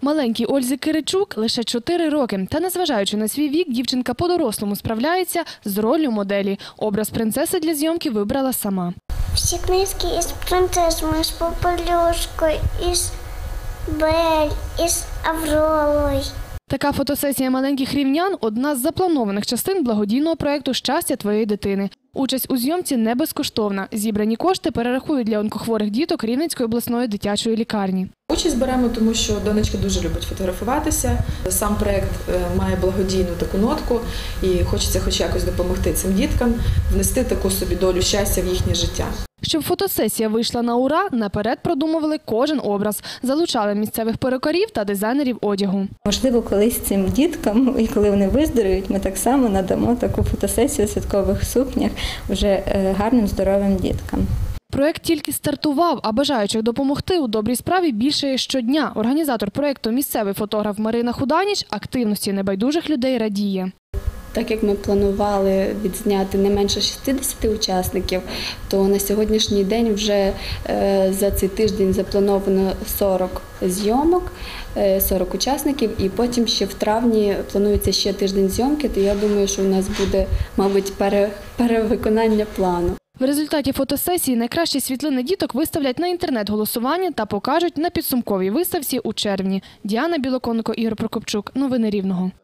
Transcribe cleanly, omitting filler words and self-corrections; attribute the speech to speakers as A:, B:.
A: Маленькій Ользі Киричук лише 4 роки. Та незважаючи на свій вік, дівчинка по-дорослому справляється з роллю моделі. Образ принцеси для зйомки вибрала сама.
B: Всі книжки із принцесами, з Попелюшкою, із Бель, із Авророю.
A: Така фотосесія маленьких рівнян – одна з запланованих частин благодійного проєкту «Щастя твоєї дитини». Участь у зйомці не безкоштовна. Зібрані кошти перерахують для онкохворих діток Рівненської обласної дитячої лікарні.
C: Участь беремо, тому що донечка дуже любить фотографуватися. Сам проєкт має благодійну таку нотку і хочеться хоч якось допомогти цим діткам, внести таку собі долю щастя в їхнє життя.
A: Щоб фотосесія вийшла на ура, наперед продумували кожен образ. Залучали місцевих перукарів та дизайнерів одягу.
D: Можливо, колись цим діткам, і коли вони виздоровіють, ми так само надамо таку фотосесію у святкових сукнях вже гарним, здоровим діткам.
A: Проєкт тільки стартував, а бажаючих допомогти у добрій справі більше щодня. Організатор проєкту, місцевий фотограф Марина Худаніч, активності небайдужих людей радіє.
E: Так як ми планували відзняти не менше 60 учасників, то на сьогоднішній день вже за цей тиждень заплановано 40 зйомок, 40 учасників, і потім ще в травні планується ще тиждень зйомки, то я думаю, що у нас буде, мабуть, перевиконання плану.
A: В результаті фотосесії найкращі світлини діток виставлять на інтернет-голосування та покажуть на підсумковій виставці у червні. Діана Білоконко, Ігор Прокопчук. Новини Рівного.